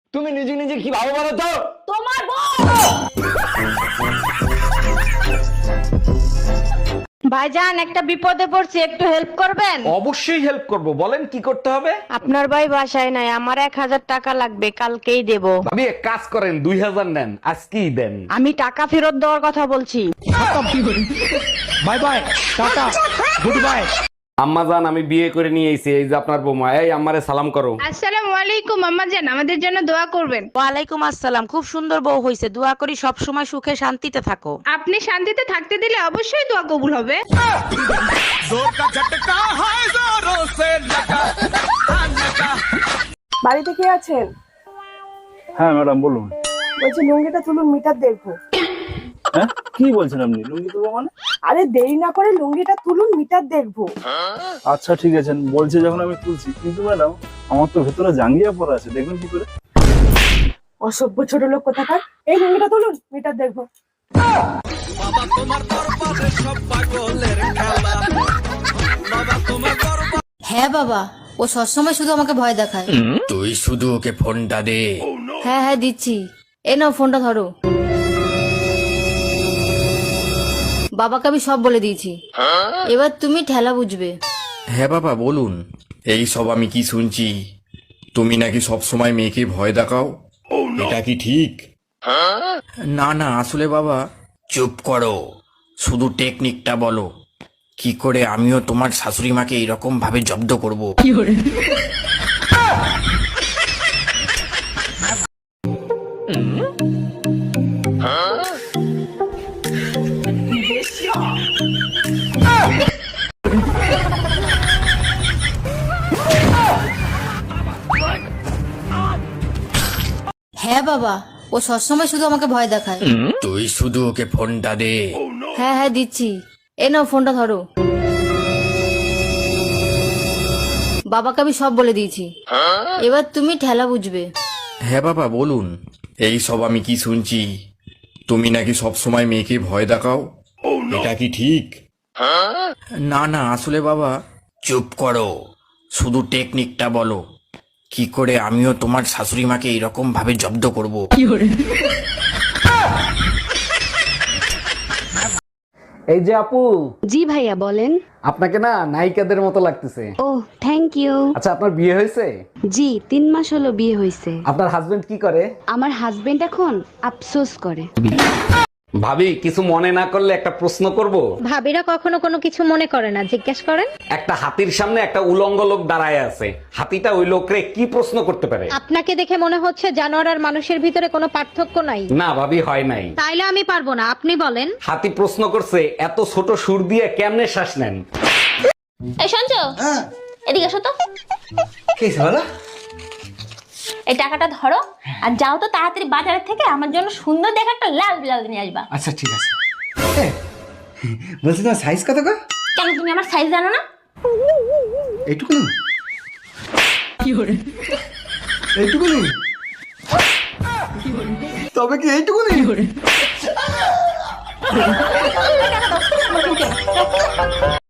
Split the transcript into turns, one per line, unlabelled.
তুমি নিজে নিজে কি ভাবো বলো তো?
তোমার বউ। ভাইজান একটা বিপদে পড়ছি, একটু হেল্প করবেন?
অবশ্যই হেল্প করব, বলেন কি করতে হবে।
আপনার ভাই বাসায় নাই, আমার 1000 টাকা লাগবে, কালকেই দেব।
ভাবি এক কাজ করেন, 2000 নেন, আজকেই দেন।
আমি টাকা ফেরত দেওয়ার কথা বলছি।
Bye bye, tata, good bye. আম্মা জান, আমি বিয়ে করে নিয়ে এসেছি, এই যে আপনার বৌমা। এই আম্মারে সালাম করো।
আসসালামু আলাইকুম আম্মা জান, আমাদের জন্য দোয়া করবেন।
ওয়ালাইকুম আসসালাম। খুব সুন্দর বউ হইছে, দোয়া করি সব সময় সুখে শান্তিতে থাকো।
আপনি শান্তিতে থাকতে দিলে অবশ্যই দোয়া কবুল হবে।
বাড়িতে কে আছেন?
হ্যাঁ ম্যাডাম বলুন।
বলছি লুঙ্গিটা তুলুন, মিটার দেখবো।
হ্যাঁ কি বলছেন আপনি? লুঙ্গি তুলবো মানে?
আরে দেরি না করে লুঙ্গিটা তুলুন, মিটার দেখবো।
আচ্ছা ঠিক আছে, বলছে যখন আমি তুলছি, কিন্তু ম্যাডাম আমার তো ভেতরে জাঙ্গিয়া পড়া আছে, দেখবেন কি করে?
অসভ্য ছোট লোক কোথাকার। এই লুঙ্গিটা তুলুন, মিটার দেখবো।
হ্যাঁ বাবা, ও সবসময় শুধু আমাকে ভয় দেখায়।
তুই শুধু ওকে ফোনটা দে।
হ্যাঁ হ্যাঁ দিচ্ছি, এ নাও ফোনটা ধরো। বাবাকে আমি সব বলে দিয়েছি, এবার তুমি ঠেলা বুঝবে।
হ্যাঁ বাবা বলুন। এই সব আমি কি শুনছি? তুমি নাকি সব সময় মেয়েকে ভয় দেখাও, এটা কি ঠিক? না না, আসলে বাবা চুপ করো, শুধু টেকনিকটা বলো, কি করে আমিও তোমার শাশুড়ি মাকে এরকম ভাবে জব্দ করব।
হ্যাঁ বাবা, ও সবসময় শুধু আমাকে ভয় দেখায়।
তুই শুধু ওকে ফোনটা দে।
হ্যাঁ হ্যাঁ দিচ্ছি, এ নাও ফোনটা ধরো। বাবাকে আমি সব বলে দিয়েছি, এবার তুমি ঠেলা বুঝবে।
হ্যাঁ বাবা বলুন। এই সব আমি কি শুনছি? তুমি নাকি সব সময় মেয়েকে ভয় দেখাও, এটা কি ঠিক? না না, আসলে বাবা চুপ করো, শুধু টেকনিকটা বলো, কি করে আমিও তোমার শাশুড়ি মাকে এরকম ভাবে জব্দ করব।
এই যে আপু,
জি ভাইয়া বলেন।
আপনাকে না নায়িকাদের মতো লাগতেছে।
ও থ্যাংক ইউ।
আচ্ছা, আপনার বিয়ে হয়েছে?
জি 3 মাস হলো বিয়ে হয়েছে।
আপনার হাজবেন্ড কি করে?
আমার হাজবেন্ড এখন আফসোস করে।
ভাবি কিছু মনে না করলে একটা প্রশ্ন করব।
ভাবিরা কখনো কোনো কিছু মনে করে না, জিজ্ঞেস করেন।
একটা হাতির সামনে একটা উলঙ্গ লোক দাঁড়ায় আছে, হাতিটা ওই লোকরে কি প্রশ্ন করতে পারে?
আপনাকে দেখে মনে হচ্ছে জানোয়ার আর মানুষের ভিতরে কোনো পার্থক্য নাই।
না ভাবি, হয় নাই।
তাইলে আমি পারবো না, আপনি বলেন।
হাতি প্রশ্ন করছে, এত ছোট সুর দিয়ে কেমনে শ্বাস নেন?
এই শুনছ, এদিকে এসো তো।
কি বলো?
এই টাকাটা ধরো আর যাও তো তাড়াতাড়ি বাজারের থেকে আমার জন্য সুন্দর দেখে একটা লাল ব্লাউজ নিয়ে আসবা।
আচ্ছা ঠিক আছে। বলছি তোমার সাইজ কত গো?
কেন তুমি আমার সাইজ জানো না?
এইটুকু এইটুকু তবে কি এইটুকু